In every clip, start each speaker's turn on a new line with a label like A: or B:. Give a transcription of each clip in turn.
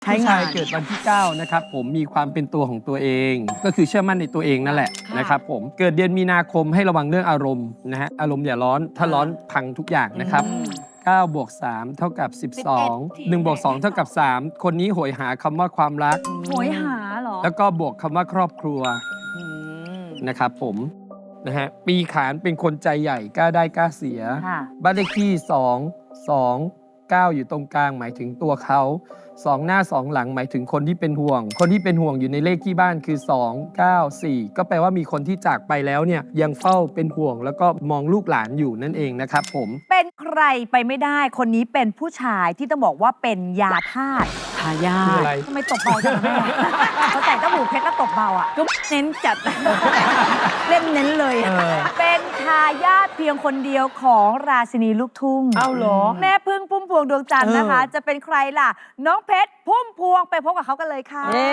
A: ผู้ชายเกิดวันที่9นะครับผมมีความเป็นตัวของตัวเองก็คือเชื่อมั่นในตัวเองนั่นแหละนะครับผมเกิดเดือนมีนาคมให้ระวังเรื่องอารมณ์นะฮะอารมณ์อย่าร้อนถ้าร้อนพังทุกอย่างนะครับ9 บวก 3 เท่ากับ 12 1 บวก 2 เท่ากับ 3 คนนี้โหยหาคำว่าความรัก
B: โหยหาเหรอ
A: แล้วก็บวกคำว่าครอบครัวนะครับผมนะฮะปีขานเป็นคนใจใหญ่กล้าได้กล้าเสีย
B: ค่ะ
A: บ้านเลขที่2 9 อยู่ตรงกลางหมายถึงตัวเขา2 หน้า 2 หลังหมายถึงคนที่เป็นห่วง คนที่เป็นห่วงอยู่ในเลขที่บ้านคือ2 9 4ก็แปลว่ามีคนที่จากไปแล้วเนี่ยยังเฝ้าเป็นห่วง แล้วก็มองลูกหลานอยู่นั่นเองนะครับผม
B: เป็นใครไปไม่ได้ คนนี้เป็นผู้ชายที่ต้องบอกว่าเป็นยาธาตุ
C: ทายา
A: คือ
C: ท
A: อะไร
B: ทำไมตบเบาจังแม่เขาแต่งต้หูเพชรแล้วตบเบาอ่ะ
C: ก็เน้นจัด เล่นเน้นเลยอะ
B: เป็นทายาทเพียงคนเดียวของราชินีลูกทุ่ง
C: เอาเหรอ
B: แม่พึ่งพุ่มพวงดวงจันทร์นะคะ จะเป็นใครล่ะ น้องเพชรพุ่มพวงไปพบกับเขากันเลยค่ะ
C: เย้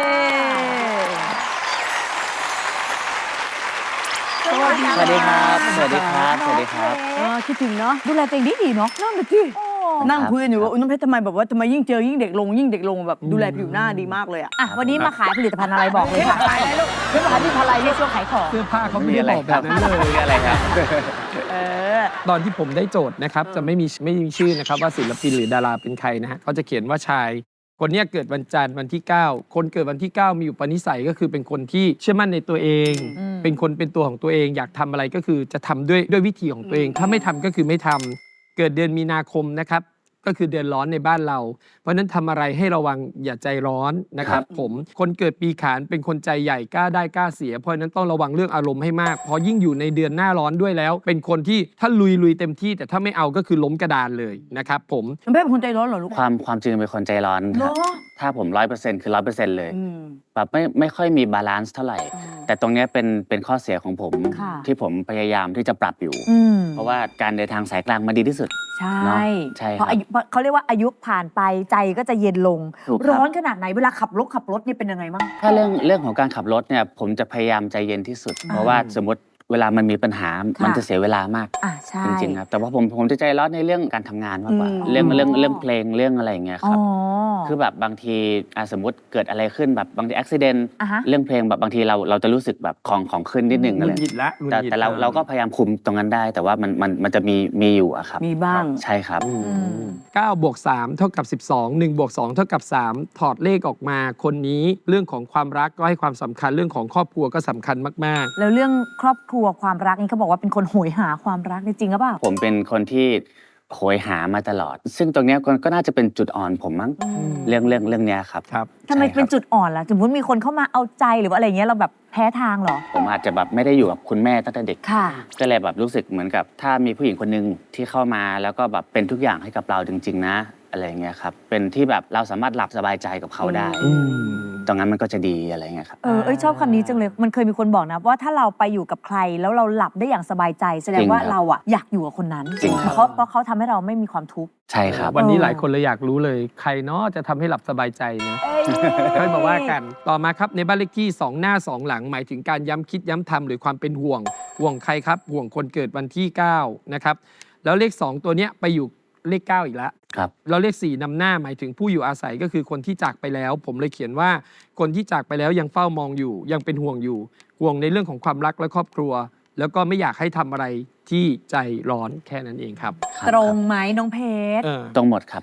B: สวัสดี
D: สวัสดีครับ สวัสดีครับ สวัสดีครับ
C: คิดถึงเนาะ
B: ดูแลตัวเองดีเนาะ
C: นั่นน่ะสิ
B: โอ้
C: นั่งคุยกันอยู่ว่าอุ๊ยน้องเพชรทำไมแบบว่าทำไมยิ่งเจอยิ่งเด็กลงยิ่งเด็กลงแบบดูแลผิวหน้าดีมากเลยอ่ะ
B: อ่ะวันนี้มาขายผลิตภัณฑ์อะไรบอกเลยค่ะ
C: ขายอะไรลูกเพชรขายที่อะไร
B: ในช่วงขายของ
A: เสื้อผ้าเขาไม่ได้บอกแบบนั้นเลย
D: มีอะไรครับ
C: เออ
A: ตอนที่ผมได้โจทย์นะครับจะไม่มีชื่อนะครับว่าศิลปินหรือดาราเป็นใครนะฮะเขาจะเขียนว่าชาย คนเนี้ยเกิดวันจันทร์วันที่ 9 คนเกิดวันที่ 9 มีอุปนิสัยก็คือเป็นคนที่เชื่อมั่นในตัวเอง เป็นคนเป็นตัวของตัวเอง อยากทำอะไรก็คือจะทำด้วยวิธีของตัวเอง ถ้าไม่ทำก็คือไม่ทำเกิดเดือนมีนาคมนะครับก็คือเดือนร้อนในบ้านเรา เพราะฉะนั้นทำอะไรให้ระวังอย่าใจร้อนนะครับผมคนเกิดปีขานเป็นคนใจใหญ่กล้าได้กล้าเสีย เพราะฉะนั้นต้องระวังเรื่องอารมณ์ให้มากเพราะยิ่งอยู่ในเดือนหน้าร้อนด้วยแล้ว เป็นคนที่ถ้าลุยเต็มที่ แต่ถ้าไม่เอาก็คือล้มกระดานเลยนะครับผม
C: น้องเพชรเป็นคนใจร้อนเหรอลูก
D: ความจริงเป็นคนใจร้อนครับ
C: เหรอ
D: ถ้าผม100%คือ100%เลย
C: อืม
D: แบบไม่ค่อยมีบาลานซ์เท่าไหร่ แต่ตรงเนี้ยเป็นข้อเสียของผม
B: ค่ะ
D: ที่ผมพยายามที่จะปรับอยู่
B: อืม
D: เพราะว่าการเดินทางสายกลางมาดีที่สุด
B: ใช่
D: เนอะใช่ครับ
B: เพราะอายุเขาเรียกว่าอายุผ่านไปใจก็จะเย็นลง
D: ถูกครับ
B: ร้อนขนาดไหนเวลาขับรถนี่เป็นยังไงบ้าง
D: ถ้าเรื่องของการขับรถเนี่ยผมจะพยายามใจเย็นที่สุด เพราะว่าสมมติเวลามันมีปัญหา มันจะเสียเวลามาก
B: อ่ะใช่
D: จริงๆครับแต่ว่าผมจะใจร้อนในเรื่องการทำงานมากกว่า
C: อืม
D: เรื่องเพลงเรื่องอะไรอย่างเงี้ยค
B: อ๋อ
D: รับ คือแบบบางทีสมมติเกิดอะไรขึ้นแบบบางทีอุบิเหตุ
B: อ่าฮะ
D: เรื่องเพลงแบบบางทีเราจะรู้สึกแบบของขึ้นนิดนึง
A: หงุ
D: อะไร
A: ดหงิดละหงุดหงิด
D: แต่เราก็พยายามคุมตรงนั้นได้ แต่ว่ามันจะมีอยู่อะครับ
C: มีบ้าง
D: ใช่ครับ
A: 9 บวก 3 เท่ากับ 12 1 บวก 2 เท่ากับ 3 ถอดเลขออกมาคนนี้เรื่องของความรักก็ให้ความสำคัญเรื่องของครอบครัวก็สำคัญมาก
B: แล้วเรื่องครอบครัวความรักนี่เขาบอกว่าเป็นคนโหยหาความรักนี่จริงหรือเปล่า
D: ผมเป็นคนที่โหยหามาตลอด ซึ่งตรงเนี้ยก็น่าจะเป็นจุดอ่อนผมมั้งเรื่องเนี้ยครับ
A: ๆครับ
B: ทำไม
D: ใช่ครับ
B: เป็นจุดอ่อนล่ะสมมติมีคนเข้ามาเอาใจหรือว่าอะไรเงี้ยเราแบบแพ้ทางเหรอ
D: ผมอาจจะแบบไม่ได้อยู่กับคุณแม่ตั้งแต่เด็ก
B: ค่ะ
D: ก็เลยแบบรู้สึกเหมือนกับถ้ามีผู้หญิงคนหนึ่งที่เข้ามาแล้วก็แบบเป็นทุกอย่างให้กับเราจริง ๆ นะ อะไรอย่างเงี้ยครับเป็นที่แบบเราสามารถหลับสบายใจกับเขาได้ ตรงนั้นมันก็จะดีอะไรเงี้ยครับ
B: ชอบคำนี้จังเลย มันเคยมีคนบอกนะว่าถ้าเราไปอยู่กับใครแล้วเราหลับได้อย่างสบายใจ แสดงว่า
D: จริงครับ
B: เราอะอยากอยู่กับคนนั้น
D: จริงครับ
B: เพราะเขาทำให้เราไม่มีความทุกข์
D: ใช่ครับ
A: วันนี้หลายคนเลยอยากรู้เลย ใครเนาะจะทำให้หลับสบายใจนะค่อยมาว่ากัน ต่อมาครับในบ้านเลขที่ 2 หน้า 2 หลัง หมายถึงการย้ำคิดย้ำทำหรือความเป็นห่วง ห่วงใครครับ ห่วงคนเกิดวันที่ 9 นะครับ แล้วเลข 2 ตัวเนี้ยไปอยู่เลข 9 อีกแล้ว
D: ครับ
A: แล้วเลข 4นำหน้าหมายถึงผู้อยู่อาศัยก็คือคนที่จากไปแล้ว ผมเลยเขียนว่าคนที่จากไปแล้วยังเฝ้ามองอยู่ ยังเป็นห่วงอยู่ ห่วงในเรื่องของความรักและครอบครัว แล้วก็ไม่อยากให้ทำอะไรที่ใจร้อนแค่นั้นเองครับ
D: ครับ
B: ตรงไหมน้องเพชร
A: เออ
D: ตรงหมดครับ